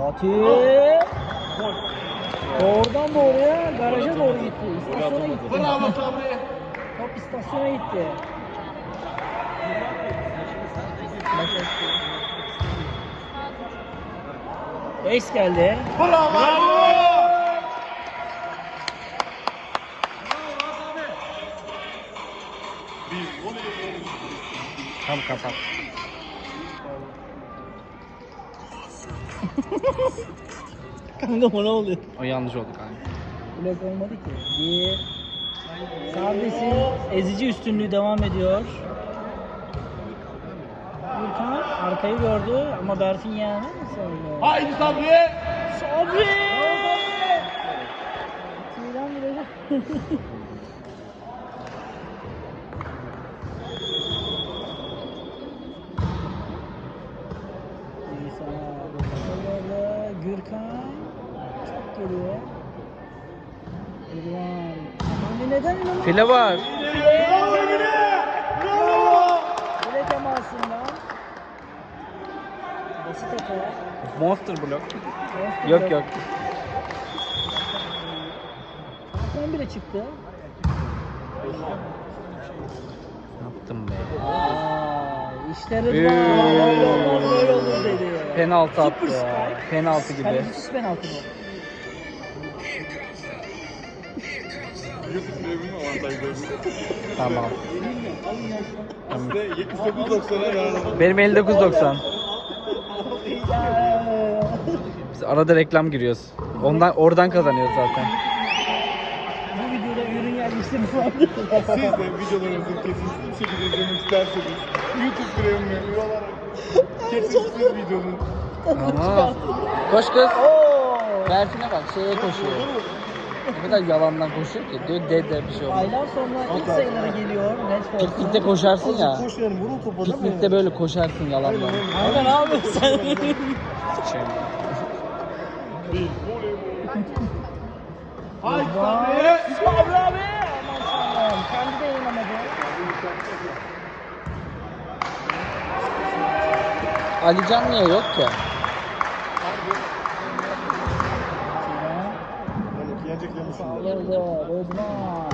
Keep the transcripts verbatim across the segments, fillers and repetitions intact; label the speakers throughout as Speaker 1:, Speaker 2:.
Speaker 1: Fatih. Doğrudan doğruya garaja doğru gitti. İstasyona gitti.
Speaker 2: Bravo Sabri.
Speaker 1: Top istasyona gitti. Ace geldi.
Speaker 2: Bravo. Bravo.
Speaker 3: Tam kapat.
Speaker 1: Kanka bu ne oluyor?
Speaker 3: O yanlış oldu kanka.
Speaker 1: Blok olmadı ki. Bir. Sardes'in ezici üstünlüğü devam ediyor. Gürkan arkayı gördü ama Berfin yani nasıl oldu?
Speaker 2: Haydi Sabri.
Speaker 1: Sabri! Tüyden vuracak. Neyse, böyle Gürkan çok geliyor. Gürkan. Hani neden inanamıyorsun?
Speaker 3: File var.
Speaker 2: Bravo Emine. Bravo.
Speaker 1: File temasından. Basit hata.
Speaker 3: Monster blok.
Speaker 1: Monster
Speaker 3: Yok
Speaker 1: blok.
Speaker 3: yok.
Speaker 1: Hakan bile çıktı.
Speaker 3: Ne yaptım be?
Speaker 1: Aa, işte Rıdvan. Böyle olmaz böyle olur dedi.
Speaker 3: Penaltı attı
Speaker 1: Super
Speaker 3: ya.
Speaker 1: spike.
Speaker 3: Penaltı gibi.
Speaker 1: Kalecisiz penaltı bu.
Speaker 2: YouTube devrini avantajlarını.
Speaker 3: Tamam.
Speaker 2: İşte yetmiş dokuz doksana yararlanmak.
Speaker 3: Benim elli dokuz doksan.
Speaker 1: Ya.
Speaker 3: Biz arada reklam giriyoruz. Ondan oradan kazanıyoruz zaten.
Speaker 1: Bu videoda ürün yerleştirme vardı.
Speaker 2: Siz de videolarımızın kesintisiz bir şekilde izlemek isterseniz YouTube Premium'e üye olarak kesintisiz videonun
Speaker 3: Ama koş kız.
Speaker 1: Oo.
Speaker 3: Berfin'e bak şeye koşuyor. Ne kadar yalandan koşuyor ki. Diyor dede bir şey olmaz.
Speaker 1: Aylar sonra ilk sayıları geliyor. Netflix'te.
Speaker 3: Piknikte koşarsın ya.
Speaker 2: koş yani vurun topa değil mi?
Speaker 3: Piknikte böyle koşarsın yalandan.
Speaker 1: Kanka ne yapıyorsun sen?
Speaker 3: Şey.
Speaker 2: Değil. Haydi
Speaker 1: Vay.
Speaker 2: Sabri.
Speaker 1: Sabri abi. Aman tanrım. Kendi de yayınlamadı.
Speaker 3: Alican niye yok ki?
Speaker 2: Yani yenecek yemişsin.
Speaker 1: Sağladı. Rıdvan.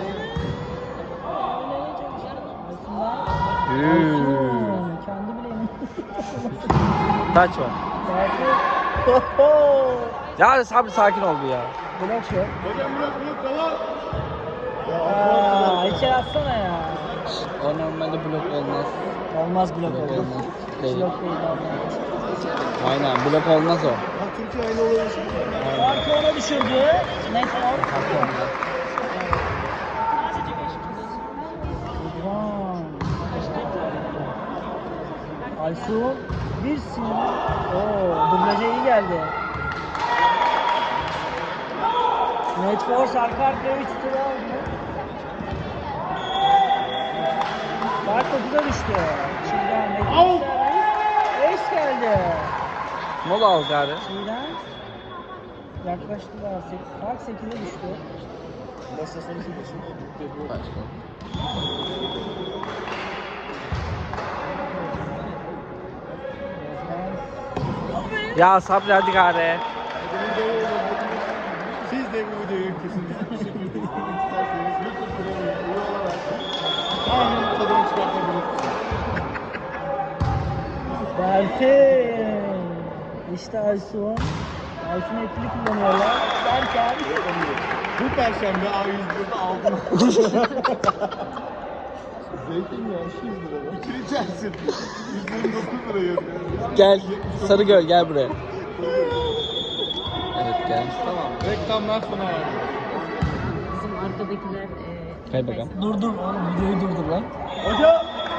Speaker 3: Hmm.
Speaker 1: Aysun. Kendi bile emin.
Speaker 3: Taç var.
Speaker 1: Belki.
Speaker 3: Ya Sabri sakin ol bir ya.
Speaker 1: Blok yok.
Speaker 2: Hocam bırak bırak devam.
Speaker 1: Aa, içeri atsana ya.
Speaker 3: O normalde blok olmaz.
Speaker 1: Olmaz blok
Speaker 3: Blok
Speaker 1: oldu.
Speaker 3: olmaz.
Speaker 1: Hiç
Speaker 3: Değil.
Speaker 1: blok değil olmaz.
Speaker 3: Aynen blok olmaz o.
Speaker 2: Ha Türkiye aynı olayı
Speaker 1: Farkı ona düşürdü. Neyse o. Rıdvan. Aysun. Bir sinir. Oo, dublaja iyi geldi. Net Force arka arkaya üç tur aldı. Fark dokuza düştü. Çiğdem ve
Speaker 2: Out.
Speaker 1: Ace geldi.
Speaker 3: Mola al gari.
Speaker 1: Çiğdem yaklaştılar. Fark sekize düştü.
Speaker 2: Başta sonucu geçiyor.
Speaker 3: Başka. Ya Sabri hadi gari.
Speaker 2: Siz de bu videoyu kesinlikle bir şekilde izlemek isterseniz YouTube Premium'e üye olarak aynı tadını çıkartabilirsiniz.
Speaker 1: Berfin. İşte Aysun. Aysun etkili kullanıyorlar. Derken.
Speaker 2: Bu perşembe A yüz birde aldım. Zeytinyağı iki yüz lira. İkili içersin. yüz yirmi dokuz lira yazıyor.
Speaker 3: Gel Sarıgöl gel buraya. Evet gel.
Speaker 2: Tamam. Reklamlar sona erdi.
Speaker 4: Bizim arkadakiler e,
Speaker 3: Kay bakalım.
Speaker 1: Dur dur oğlum videoyu durdur lan.
Speaker 2: Hocam.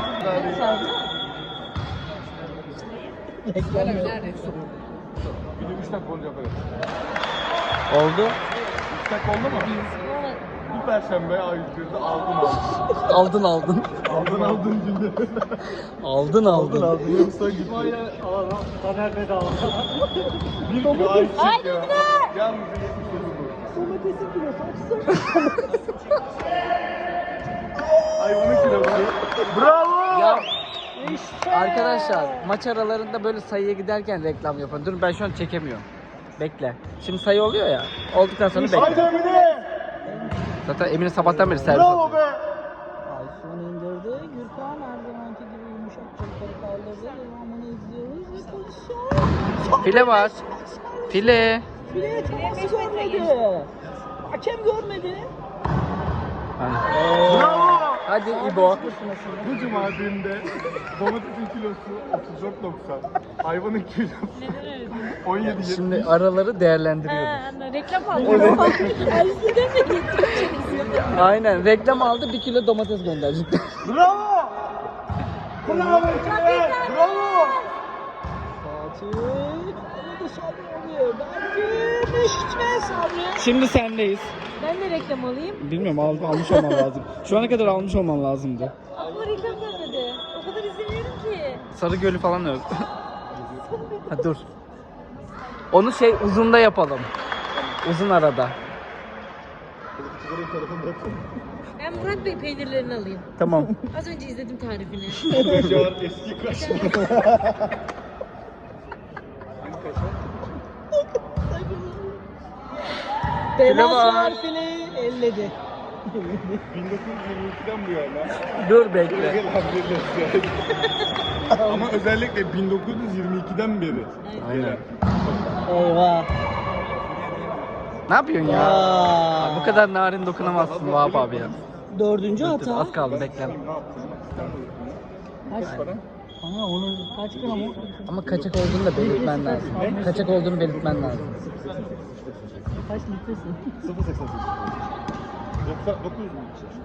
Speaker 1: Reklam yok.
Speaker 2: Video üç dakika olunca yaparız.
Speaker 3: Oldu.
Speaker 2: üç dakika oldu mu? Bu perşembe A yüz birde aldım aldım.
Speaker 3: Aldın aldın.
Speaker 2: Aldın aldın günde.
Speaker 3: Aldın aldın.
Speaker 2: aldın. Yoksa gitti.
Speaker 1: Taner bedava.
Speaker 2: Bir kilo ayçiçek ya. Yalnız yetmiş dokuz bu.
Speaker 1: Domatesin kilosu açsın.
Speaker 2: Ay on iki lira bu. Bravo.
Speaker 3: Ya
Speaker 1: İşte.
Speaker 3: Arkadaşlar maç aralarında böyle sayıya giderken reklam yapın. Dur ben şu an çekemiyorum. Bekle. Şimdi sayı oluyor ya. Olduktan sonra
Speaker 2: Haydi
Speaker 3: bekle.
Speaker 2: Emine!
Speaker 3: Zaten Emine sabahtan beri servis
Speaker 2: Bravo
Speaker 3: atıyor.
Speaker 2: be!
Speaker 1: Aysun indirdi. Gürkan her zamanki gibi yumuşakça yukarı kaldırdı. Devamını izliyoruz ve pozisyon.
Speaker 3: File var. File.
Speaker 1: Fileye temas görmedi. Hakem görmedi.
Speaker 2: Bravo!
Speaker 3: Hadi İbo.
Speaker 2: Bu cumadinde domatesin kilosu otuz dört doksan. Hayvanın kilosu on yedi yetmiş.
Speaker 3: Şimdi araları değerlendiriyoruz.
Speaker 4: Ha, reklam aldım. Eskiden de gittim.
Speaker 3: Aynen reklam aldı bir kilo domates gönderecek.
Speaker 2: Bravo! Bravo Emine! Bravo!
Speaker 1: Fatih. Arada Sabri oluyor. Belki işte Sabri.
Speaker 3: Şimdi sendeyiz.
Speaker 4: Ben de reklam alayım.
Speaker 3: Bilmiyorum al, almış olman lazım. Şu ana kadar almış olman lazımdı.
Speaker 4: Aklıma reklam gelmedi. O kadar izlemiyorum ki.
Speaker 3: Sarı Gölü falan yok. Ha, dur. Onu şey uzunda yapalım. Uzun arada.
Speaker 4: Ben Murat Bey peynirlerini alayım.
Speaker 3: Tamam.
Speaker 4: Az önce izledim tarifini.
Speaker 2: Can eski kaşar.
Speaker 1: Temas
Speaker 3: var.
Speaker 1: var fileyi elledi.
Speaker 2: bin dokuz yüz yirmi ikiden bu yana.
Speaker 3: Dur bekle.
Speaker 2: Gel abi, ama özellikle bin dokuz yüz yirmi ikiden beri.
Speaker 3: Aynen.
Speaker 1: Eyvah.
Speaker 3: Ne yapıyorsun ya?
Speaker 1: Aa.
Speaker 3: Bu kadar narin dokunamazsın Vahap abi ya.
Speaker 1: Dördüncü
Speaker 3: Dur,
Speaker 1: hata.
Speaker 3: az kaldı bekle.
Speaker 2: Ne yaptın?
Speaker 1: Kaç para? Ama onun kaç gramı?
Speaker 3: Ama kaçak olduğunu da belirtmen lazım. Kaçak olduğunu belirtmen lazım.
Speaker 1: Kaç litresi?
Speaker 2: sıfır seksen sekiz. doksan dokuz mu?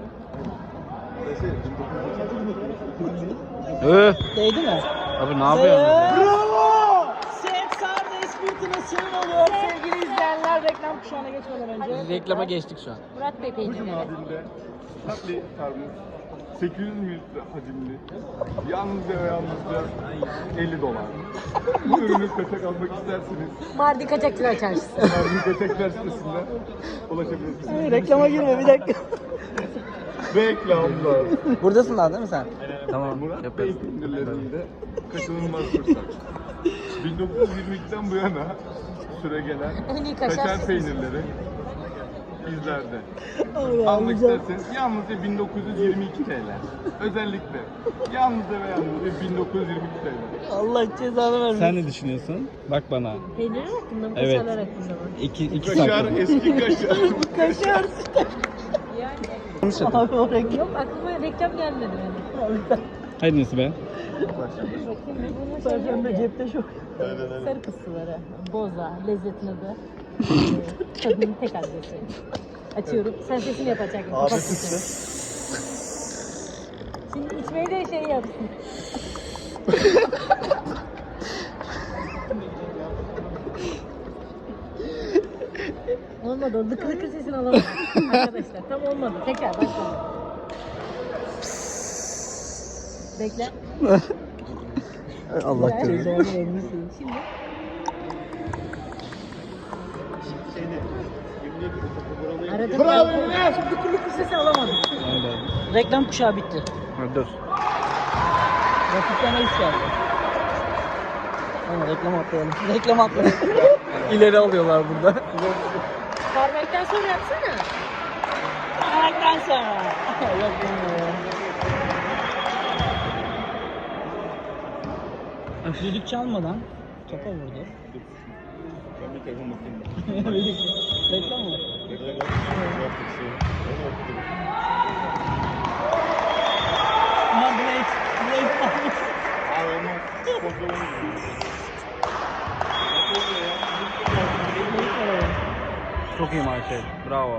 Speaker 3: Öh.
Speaker 1: Değdi mi?
Speaker 3: Abi ne yapıyorsun?
Speaker 2: Bravo!
Speaker 1: Set Sardes fırtınasının oluyor sevgili izleyenler. Reklam kuşağına geçmeden önce.
Speaker 3: Reklama geçtik şu an.
Speaker 4: Murat Bey
Speaker 2: Bu
Speaker 4: peynirleri.
Speaker 2: cumadinde tatlı termos sekiz yüz mililitre hacimli yalnızca ve yalnızca elli dolar. Bu ürünü kaçak almak isterseniz
Speaker 4: Mardin Kaçakçılar Çarşısı.
Speaker 2: Mardin Kaçaklar sitesinden ulaşabilirsiniz.
Speaker 1: Reklama girme bir dakika.
Speaker 2: Reklamlar.
Speaker 3: Buradasın daha değil mi sen? Tamam.
Speaker 2: Murat Bey
Speaker 3: Yaparız.
Speaker 2: peynirlerinde kaçınılmaz fırsat. bin dokuz yüz yirmi ikiden bu yana süre gelen
Speaker 4: En iyi kaşar
Speaker 2: kaşar
Speaker 4: sitesi.
Speaker 2: peynirleri bizlerde.
Speaker 1: Allah'ım
Speaker 2: Almak
Speaker 1: güzel.
Speaker 2: isterseniz yalnızca bin dokuz yüz yirmi iki T L. Özellikle yalnızca ve yalnızca bin dokuz yüz yirmi iki T L.
Speaker 1: Allah cezanı vermesin.
Speaker 3: Sen ne düşünüyorsun? Bak bana.
Speaker 4: Peynirler hakkında mı?
Speaker 3: Evet.
Speaker 4: Kaşarlar hakkında mı?
Speaker 3: İki, iki
Speaker 2: Kaşar,
Speaker 3: saat.
Speaker 2: eski kaşar.
Speaker 1: Kaşar.
Speaker 4: Yani.
Speaker 1: Abi o reklam.
Speaker 4: Yok aklıma reklam gelmedi benim.
Speaker 3: Haydi nasıl be?
Speaker 4: Bakayım bunun şey
Speaker 1: Sen
Speaker 4: yok
Speaker 1: de
Speaker 4: ya.
Speaker 1: cepte çok.
Speaker 4: Sarı kısırları. Boza. Lezzetin adı. Ee, Tadının tek adresi. Açıyorum. Sen sesini yapacaksın. Kapat sesini. Şimdi içmeyi de şey yapsın. Olmadı. O lıkır lıkır sesini alamadım. Arkadaşlar tam olmadı. Tekrar başlayalım. Bekle.
Speaker 3: Allah
Speaker 4: Güzel.
Speaker 3: korusun.
Speaker 1: Cezanı vermesin.
Speaker 4: Şimdi arada
Speaker 2: Bravo
Speaker 4: ben-
Speaker 2: Emine!
Speaker 4: Lıkır lıkır sesi alamadım.
Speaker 3: Aynen.
Speaker 1: Reklam kuşağı bitti.
Speaker 3: Ha, dur.
Speaker 1: Rakipten ace geldi. Ama reklam atlayalım. Reklam atlayalım.
Speaker 3: İleri alıyorlar burada.
Speaker 4: Parmaktan sonra yapsana.
Speaker 1: Reklam sonra. Reklam ya. Düdük çalmadan topa vurdu.
Speaker 2: Ben bir telefon bakayım.
Speaker 1: Reklam mı? Aha Blake. Blake almış.
Speaker 2: Abi olmaz. Kontrol
Speaker 3: Çok iyi Michael. Bravo.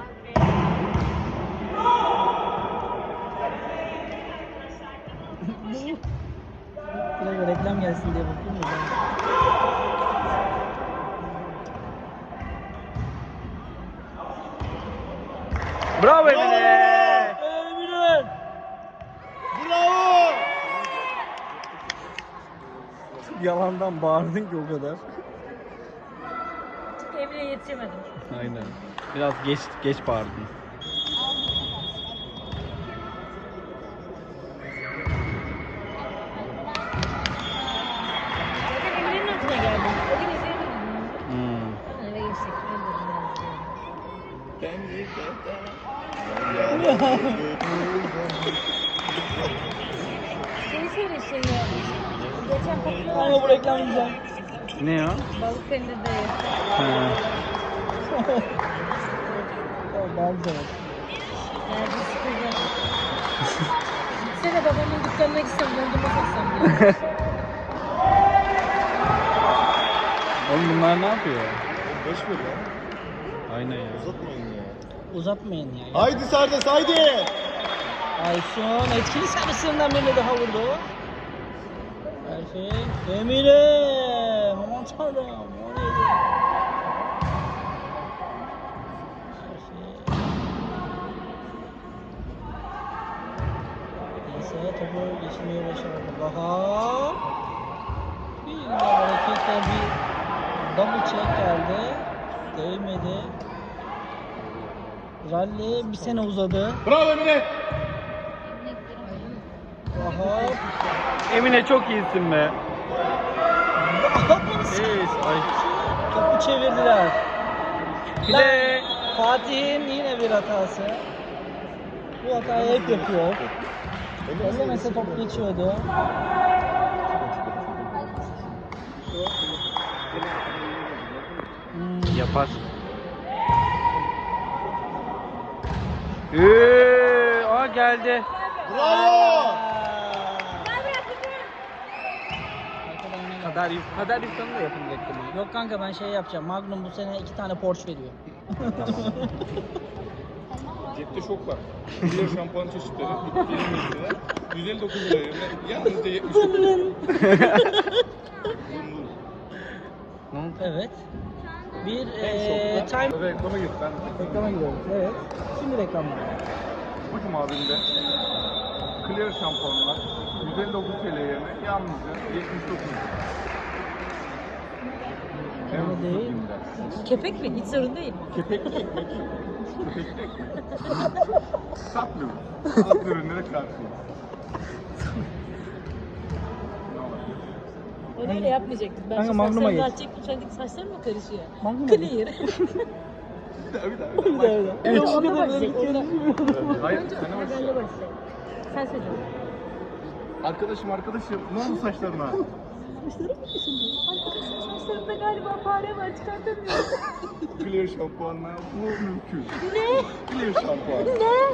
Speaker 1: Buraya reklam gelsin diye bakıyorum da ben.
Speaker 3: Bravo Emine.
Speaker 1: Emine!
Speaker 2: Bravo!
Speaker 3: Yalandan bağırdın ki o kadar.
Speaker 4: Çünkü Emre'ye yetişemedim.
Speaker 3: Aynen. Biraz geç geç bağırdın.
Speaker 4: Şeyi söyle şeyi. Geçen popüler
Speaker 1: Ama bu reklam güzel.
Speaker 3: Ne o?
Speaker 4: balık peynirde.
Speaker 3: Ha.
Speaker 1: O daha güzel.
Speaker 4: Nerede sıkılacak? Gitsene babamın dükkanına gitsem dondurma satsam diye.
Speaker 3: Oğlum bunlar ne yapıyor?
Speaker 2: Boş ver ya.
Speaker 3: Aynen ya.
Speaker 2: Uzatmayın ya.
Speaker 1: Uzatmayın ya.
Speaker 2: Haydi Sardes haydi.
Speaker 1: Aysun etkili servislerinden birini daha vurdu. Perfect. Emine. Aman tanrım. O neydi? Perfect. Neyse topu geçirmeye başardı. Bahar. Bir de hareketle bir double check geldi. Değmedi. Rally bir sene uzadı.
Speaker 2: Bravo Emine.
Speaker 1: Bahar.
Speaker 3: Emine çok iyisin be. Evet, ay.
Speaker 1: Topu çevirdiler.
Speaker 3: File.
Speaker 1: Fatih'in yine bir hatası. Bu hatayı hep yapıyor. Ellemese top geçiyordu. Hmm.
Speaker 3: Yapar. Eee, aa geldi.
Speaker 2: Bravo.
Speaker 3: Kadar yük, kadar yüklerini de yapın reklamı.
Speaker 1: Yok kanka ben şey yapacağım. Magnum bu sene iki tane Porsche veriyor.
Speaker 2: Cepte şok var. Diğer şampuan çeşitleri yirmi lira. yüz elli dokuz lira yerine yalnızca yetmiş dokuz lira.
Speaker 1: Evet. Bir
Speaker 2: En
Speaker 1: eee
Speaker 2: şokta.
Speaker 1: time
Speaker 2: Reklama gir. Ben
Speaker 1: reklama gidiyoruz. Evet. Şimdi reklamlar.
Speaker 2: Bakın abimde Clear şampuanlar yüz elli dokuz T L yerine yalnızca yetmiş dokuz lira.
Speaker 1: Öyle değil.
Speaker 4: Kepek mi? Hiç sorun değil.
Speaker 2: Kepekli ekmek. Kepekli ekmek. Satmıyoruz. Alt ürünlere karşıyız.
Speaker 4: Onu öyle yapmayacaktık. Ben
Speaker 1: Kanka
Speaker 4: şu
Speaker 1: Magnum'a
Speaker 4: saçlarımı
Speaker 1: geç.
Speaker 4: açacaktım. Şu andaki saçlarım mı karışıyor?
Speaker 1: Magnum'a geç.
Speaker 4: Clear.
Speaker 2: Bir daha bir daha.
Speaker 1: Bir daha bir daha.
Speaker 3: Üç.
Speaker 1: Ona
Speaker 4: Onunla
Speaker 1: başlayacak.
Speaker 4: başlayacak.
Speaker 2: Hayır,
Speaker 4: Önce
Speaker 2: sana bak.
Speaker 4: benle başlayalım. Sen söyle.
Speaker 2: Arkadaşım arkadaşım ne oldu saçlarına?
Speaker 4: Arkadaşım saçlarımda galiba fare var. Çıkartamıyorum.
Speaker 2: Clear şampuanla bu mümkün.
Speaker 4: Ne?
Speaker 2: Clear şampuan.
Speaker 4: Ne?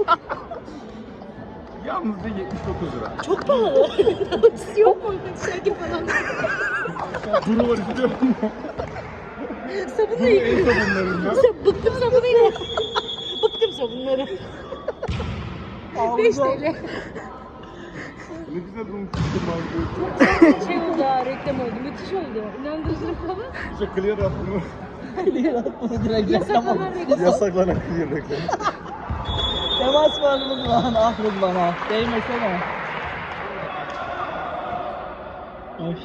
Speaker 2: Yalnızca yetmiş dokuz lira.
Speaker 4: Çok pahalı. Ucuz yok mu? Şarkı falan.
Speaker 2: Bunu var istiyor musun?
Speaker 4: Sabunla
Speaker 2: Bu en
Speaker 4: yıkıyorum.
Speaker 2: sabunlarından.
Speaker 4: Bıktım sabunuyla. Bıktım sabunları. beş T L.
Speaker 2: Ne güzel unutmuştum abi.
Speaker 4: Şey oldu ha, reklam oldu. Müthiş oldu. İnandırıcılık falan.
Speaker 2: İşte clear yaptım.
Speaker 1: Bunu direkt reklam oldu.
Speaker 4: Yasaklanan reklam.
Speaker 2: Yasaklanan clear reklamı.
Speaker 1: Temas var Rıdvan. Ah Rıdvan ah. Değmesene. Oy.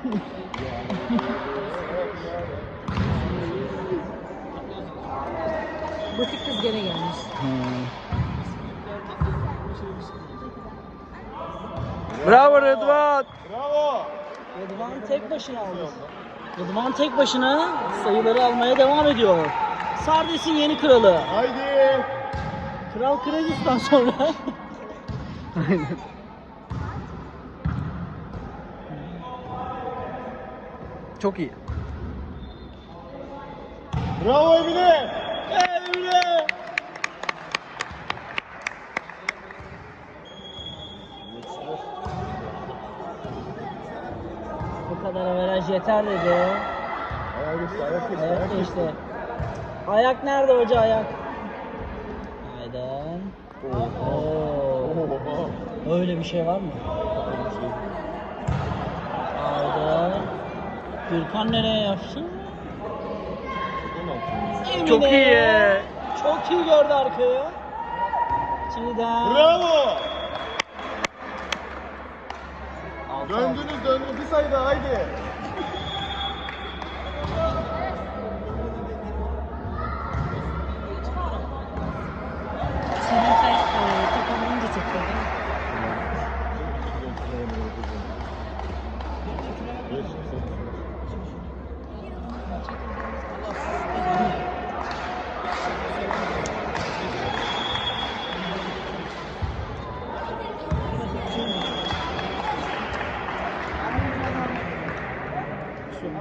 Speaker 4: Butik kız gene gelmiş.
Speaker 3: Bravo Rıdvan.
Speaker 2: Bravo.
Speaker 1: Rıdvan tek başına aldı. Rıdvan tek başına sayıları almaya devam ediyor. Sardes'in yeni kralı.
Speaker 2: Haydi.
Speaker 1: Kral Kırgızistan sonra.
Speaker 3: Çok iyi.
Speaker 2: Bravo Emine.
Speaker 1: Emre. Bu kadar averaj yeter dedi.
Speaker 2: Ayak geçti, ayak geçti,
Speaker 1: Ayak
Speaker 2: ayak geçti.
Speaker 1: geçti. Ayak nerede hoca ayak? Hayden. Oo. Öyle bir şey var mı? Hayden. Gürkan nereye yapsın? Emine.
Speaker 3: Çok iyi.
Speaker 1: Çok iyi gördü arkayı. Çiğdem.
Speaker 2: Bravo.
Speaker 1: Altı.
Speaker 2: Döndünüz döndünüz. Bir sayı daha haydi.
Speaker 4: Senin çay e, kapanınca çekiyor değil mi?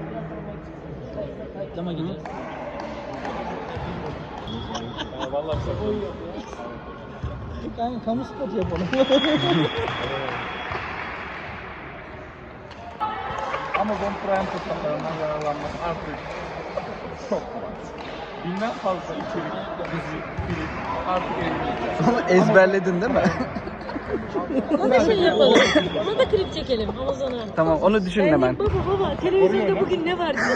Speaker 1: Reklama gidiyor.
Speaker 2: Vallahi
Speaker 1: Kanka kamu spotu yapalım.
Speaker 2: Amazon Prime fırsatlarından yararlanmak artık çok kolay. Binden fazla içerik, dizi, film artık elimizde.
Speaker 3: Ama ezberledin değil mi?
Speaker 4: Ona da şey yapalım. Ona da klip çekelim Amazon'a.
Speaker 3: Tamam, onu düşün
Speaker 4: Ben
Speaker 3: hemen.
Speaker 4: de, baba baba televizyonda bugün ne var?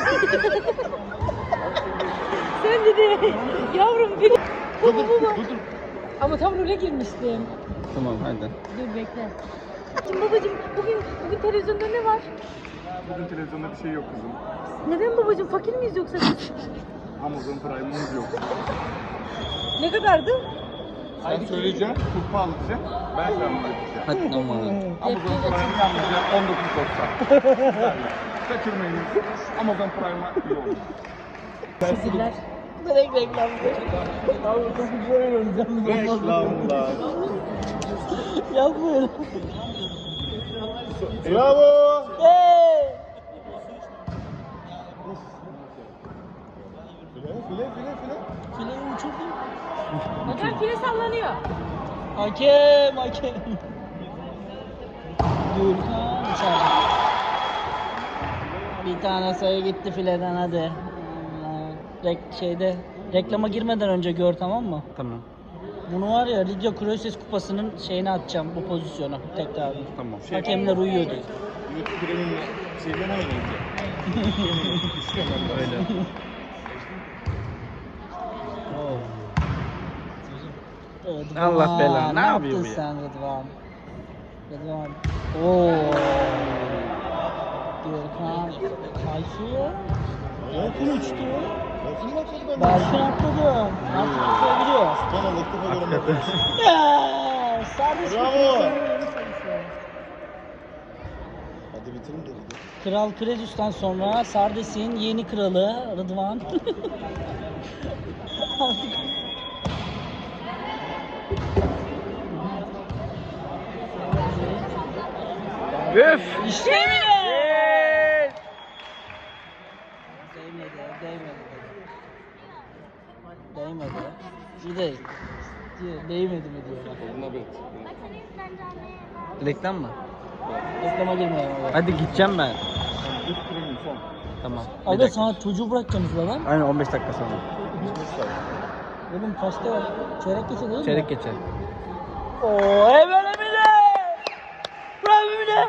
Speaker 4: Sen dedi yavrum bir baba baba. Ama tam role girmiştim.
Speaker 3: Tamam, hadi.
Speaker 4: Dur bekle. Şimdi babacığım bugün bugün televizyonda ne var?
Speaker 2: Bugün televizyonda bir şey yok kızım.
Speaker 4: Neden babacığım fakir miyiz yoksa biz?
Speaker 2: Amazon Prime'ımız yok.
Speaker 4: Ne kadardı?
Speaker 2: Sen söyleyeceğim, kurpa alacağım, ben sana anlatacağım.
Speaker 3: Hadi tamam.
Speaker 2: Amazon Prime yalnızca on dokuz doksan. Kaçırmayın. Amazon Prime'a iyi olun.
Speaker 4: Teşekkürler.
Speaker 1: Direkt reklam. Abi çok güzel oynayacağım.
Speaker 2: Reklamlar.
Speaker 1: Yapma öyle.
Speaker 2: Bravo.
Speaker 1: Hey!
Speaker 2: File file file file.
Speaker 1: Fileyi uçurdum.
Speaker 4: Hocam file sallanıyor.
Speaker 1: Hakem, hakem. Gürkan dışarıda. Bir tane sayı gitti fileden hadi. Rek şeyde reklama girmeden önce gör, tamam mı?
Speaker 3: Tamam.
Speaker 1: Bunu var ya Lidya Kroises kupasının şeyini atacağım, bu pozisyonu tekrar.
Speaker 3: Tamam.
Speaker 1: Hakemler uyuyordu.
Speaker 2: YouTube Premium'la şeyden oynayacak.
Speaker 3: Öyle.
Speaker 1: Rıdvan,
Speaker 3: Allah belanı, ne
Speaker 1: yaptın
Speaker 3: yapıyor bu ya?
Speaker 1: sen Rıdvan? Rıdvan. Oo. Gürkan. Aysu. Berfin uçtu.
Speaker 2: Bakın bakın ben.
Speaker 1: Berfin atladı. Artık atlayabiliyor.
Speaker 2: Tamam ilk defa görüyorum.
Speaker 1: Ya, Sardes
Speaker 2: Bravo.
Speaker 1: kupasının
Speaker 2: Hadi bitirin de.
Speaker 1: Kral Kresus'tan sonra Sardes'in yeni kralı Rıdvan.
Speaker 3: Üf!
Speaker 1: İşte bile. Değmedi, değmedi. Değmedi. Bir de diyor, değmedi mi diyorlar.
Speaker 2: Buna bet.
Speaker 3: Reklam mı?
Speaker 1: Reklama girmeyelim abi.
Speaker 3: Hadi gideceğim ben.
Speaker 2: YouTube Premium son.
Speaker 3: Tamam. Bir
Speaker 1: Abi
Speaker 3: dakika.
Speaker 1: sana çocuğu bırakacaksınız lan.
Speaker 3: Aynen on beş dakika sonra.
Speaker 1: Oğlum kaçta var? Çeyrek geçe değil mi?
Speaker 3: Çeyrek geçer.
Speaker 1: Oo, hemen Emine! Bravo Emine!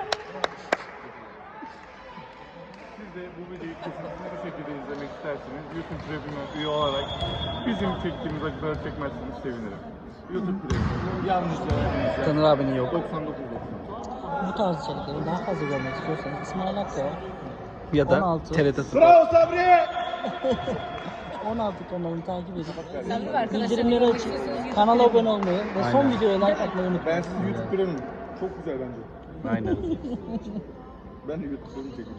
Speaker 2: Siz de bu videoyu kesintisiz bir şekilde izlemek isterseniz YouTube Premium'a üye olarak bizim çektiğimiz acıları çekmezseniz sevinirim. YouTube Premium yalnızca elinizde
Speaker 3: Tanır abinin yok.
Speaker 2: doksan dokuz doksan.
Speaker 1: Bu tarz içerikleri daha fazla görmek istiyorsanız İsmail Hakkı var.
Speaker 3: Ya da
Speaker 1: on altı.
Speaker 3: T R T Spor.
Speaker 2: Bravo Sabri!
Speaker 1: on altı kanalını takip edip
Speaker 4: Sen bir arkadaşlarla
Speaker 1: bildirimleri
Speaker 4: görmek
Speaker 1: açıp
Speaker 4: istiyorsanız
Speaker 1: kanala abone olmayı ve son
Speaker 3: Aynen.
Speaker 1: videoya like atmayı unutmayın.
Speaker 2: Ben siz YouTube Premium. Çok güzel bence.
Speaker 3: Aynen.
Speaker 2: Ben de YouTube Premium çekeyim.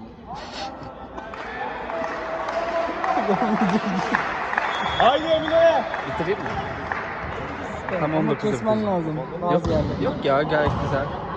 Speaker 2: Haydi Emine!
Speaker 3: Bitireyim mi? Tam
Speaker 1: Ama
Speaker 3: on dokuz
Speaker 1: kesmen
Speaker 3: yapıyoruz.
Speaker 1: lazım
Speaker 3: Yok,
Speaker 1: bazı yerlerde.
Speaker 3: yok ya, gayet güzel.